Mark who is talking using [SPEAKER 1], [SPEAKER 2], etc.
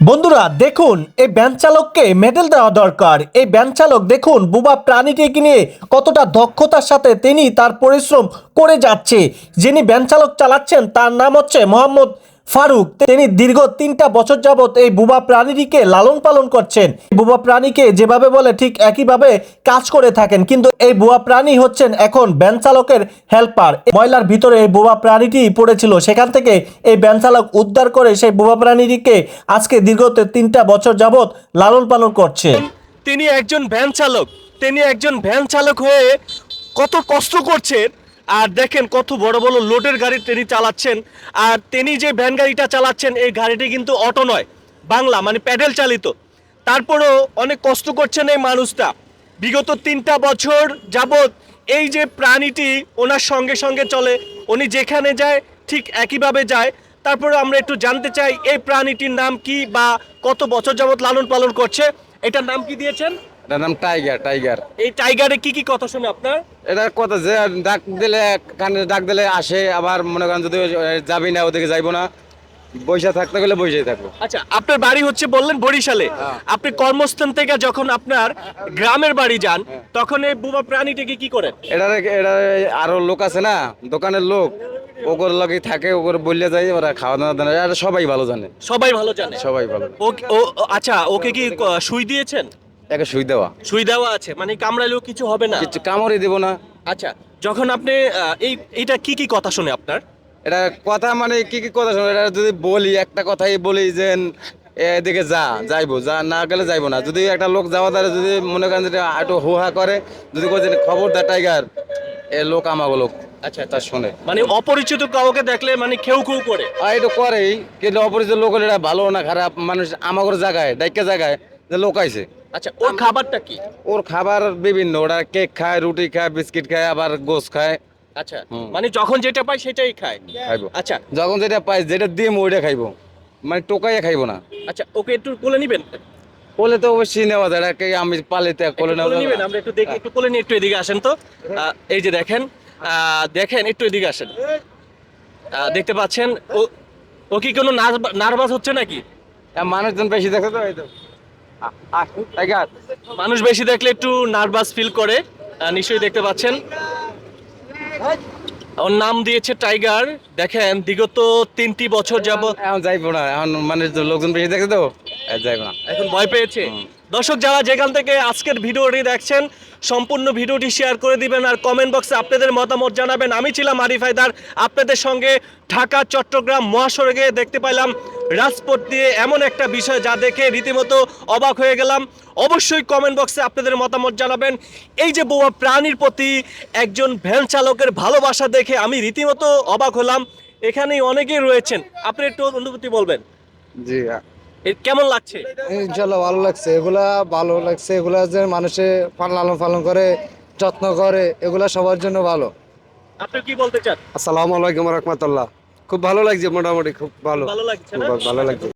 [SPEAKER 1] বন্ধুরা দেখুন, এই ভ্যান চালককে মেডেল দেওয়া দরকার। এই ভ্যান চালক দেখুন বুবা প্রাণীটিকে নিয়ে কতটা দক্ষতার সাথে তিনি তার পরিশ্রম করে যাচ্ছে। যিনি ভ্যান চালক চালাচ্ছেন তার নাম হচ্ছে মোহাম্মদ ফারুক। তিনি দীর্ঘ 3টা বছর যাবত এই বুবা প্রাণীটিকে লালন পালন করছেন। বুবা প্রাণীকে যেভাবে বলে ঠিক একইভাবে কাজ করে থাকেন, কিন্তু এই বুবা প্রাণী হচ্ছেন এখন ভ্যান চালকের হেল্পার। ময়লার ভিতরে এই বুবা প্রাণীটি পড়েছিল, সেখান থেকে এই ভ্যান চালক উদ্ধার করে সেই বুবা প্রাণীটিকে আজকে দীর্ঘ 3টা বছর যাবত লালন পালন করছে।
[SPEAKER 2] তিনি একজন ভ্যান চালক। তিনি একজন ভ্যান চালক হয়ে কত কষ্ট করছেন। আর দেখেন কত বড় বড় লোডের গাড়ি তিনি চালাচ্ছেন। আর তিনি যে ভ্যান গাড়িটা চালাচ্ছেন এই গাড়িটি কিন্তু অটো নয়, বাংলা মানে প্যাডেল চালিত। তারপরেও অনেক কষ্ট করছেন এই মানুষটা। বিগত 3টা বছর যাবত এই যে প্রাণীটি ওনার সঙ্গে সঙ্গে চলে, উনি যেখানে যায় ঠিক একইভাবে যায়। তারপরে আমরা একটু জানতে চাই এই প্রাণীটির নাম কি বা কত বছর যাবত লালন পালন করছে। এটার নাম কি দিয়েছেন?
[SPEAKER 3] এটার নাম টাইগার। টাইগার
[SPEAKER 2] এই টাইগারে কি কি কথা শুনে আপনার?
[SPEAKER 3] এটা কথা যে ডাক দিলে কানে ডাক দিলে আসে, আবার মনে করেন যদি যাবি না ওদিকে যাইবো না, বৈশা থাকতে গেলে বৈশাই থাকবো।
[SPEAKER 2] আচ্ছা, আপনার বাড়ি হচ্ছে বললেন বরিশালে। আপনি কর্মস্থান থেকে যখন আপনার গ্রামের বাড়ি যান তখন এই বুবা প্রাণীটিকে কি করেন?
[SPEAKER 3] এটা আরো লোক আছে না, দোকানের লোক, ওগর লগে থাকে, ওগর বললে যাই, ওরা খাওয়া দাওয়া দেয় না। এটা সবাই ভালো জানে,
[SPEAKER 2] সবাই ভালো জানে।
[SPEAKER 3] সবাই ভালো।
[SPEAKER 2] আচ্ছা, ওকে কি সুই দিয়েছেন?
[SPEAKER 3] একে সুই দেওয়া,
[SPEAKER 2] সুই দেওয়া আছে, মানে কামড়ালেও কিছু হবে না?
[SPEAKER 3] কিছু কামড়ই দেবো না।
[SPEAKER 2] আচ্ছা, যখন আপনি এইটা কি কি কথা শুনে আপনার?
[SPEAKER 3] এটা কথা মানে কি কি কথা শোনো, এটা যদি বলি একটা কথাই বলি যে এদিকে যাইবো, যা না গেলে যাইবো না। যদি একটা লোক যাওয়া দ্বারা যদি মনে করেন যে একটু হুহা করে, যদি বলছে খবরদার টাইগার, এ লোক আমাগো লোক, আচ্ছা তা শোনে।
[SPEAKER 2] মানে অপরিচিত কাউকে দেখলে মানে খেউ খেউ করে?
[SPEAKER 3] আর এটা করেই, কিন্তু অপরিচিত লোক হলে এটা ভালো না খারাপ মানুষ আমাগোর জায়গায় ডাইকা জায়গায় যে লোক আইছে।
[SPEAKER 2] আচ্ছা, ওর খাবারটা কি?
[SPEAKER 3] ওর খাবার বিভিন্ন, ওরা কেক খায়, রুটি খায়, বিস্কিট খায়, আবার গোস খায়।
[SPEAKER 2] আচ্ছা, মানে যখন যেটা পায় সেটাই খায়?
[SPEAKER 3] খাইবো,
[SPEAKER 2] আচ্ছা
[SPEAKER 3] যখন যেটা পাই, যেটা দিম ওইটা খাইবো, মানে টোকাইয়া খাইবো না।
[SPEAKER 2] আচ্ছা, ওকে একটু কোলে নিবেন?
[SPEAKER 3] কোলে তো অবশ্যই নেওয়া যায়, এটাকে আমি পালিতে কোলে নেওয়া
[SPEAKER 2] কোলে
[SPEAKER 3] যাবে
[SPEAKER 2] নিবেন?
[SPEAKER 3] না।
[SPEAKER 2] আমরা একটু দেখি, একটু কোলে নিয়ে একটু এদিকে আসেন তো। এই যে দেখেন, দেখেন একটু এদিকে আসেন। দেখতে পাচ্ছেন ও, ও কি কোনো নার্ভাস হচ্ছে নাকি?
[SPEAKER 3] মানুষজন বেশি দেখে তো, এই তো টাইগার।
[SPEAKER 2] মানুষ বেশি দেখলে একটু নার্ভাস ফিল করে, নিশ্চয়ই দেখতে পাচ্ছেন। ওর নাম দিয়েছে টাইগার। দেখেন বিগত 3টি বছর যাবত
[SPEAKER 3] এখন যাইবো না, এখন মানে লোকজন বেশি দেখে তো যাইবো না।
[SPEAKER 2] এখন ভয় পেয়েছে। দর্শক যারা যেখান থেকে আজকের ভিডিওটি দেখছেন, সম্পূর্ণ ভিডিওটি শেয়ার করে দিবেন আর কমেন্ট বক্সে আপনাদের মতামত জানাবেন। আমি ছিলাম আরিফ হায়দার, আপনাদের সঙ্গে ঢাকা চট্টগ্রাম মহাসড়কে দেখতে পাইলাম রাজপথ দিয়ে এমন একটা বিষয় যা দেখে রীতিমতো অবাক হয়ে গেলাম। অবশ্যই কমেন্ট বক্সে আপনাদের মতামত জানাবেন। এই যে বোবা প্রাণীর প্রতি একজন ভ্যান চালকের ভালোবাসা দেখে আমি রীতিমতো অবাক হলাম। এখানেই অনেকেই রয়েছেন, আপনি একটু অনুভূতি বলবেন।
[SPEAKER 3] জি,
[SPEAKER 2] কেমন লাগছে?
[SPEAKER 4] ইনশাল্লাহ ভালো লাগছে, এগুলা ভালো লাগছে। এগুলা যে মানুষে লালন পালন করে, যত্ন করে, এগুলা সবার জন্য ভালো।
[SPEAKER 2] আপনি কি বলতে চান?
[SPEAKER 4] আসসালামু আলাইকুম রহমতুল্লাহ। খুব ভালো লাগছে, মোটামুটি খুব ভালো,
[SPEAKER 2] ভালো লাগছে
[SPEAKER 4] খুব
[SPEAKER 2] না?
[SPEAKER 4] ভালো লাগছে।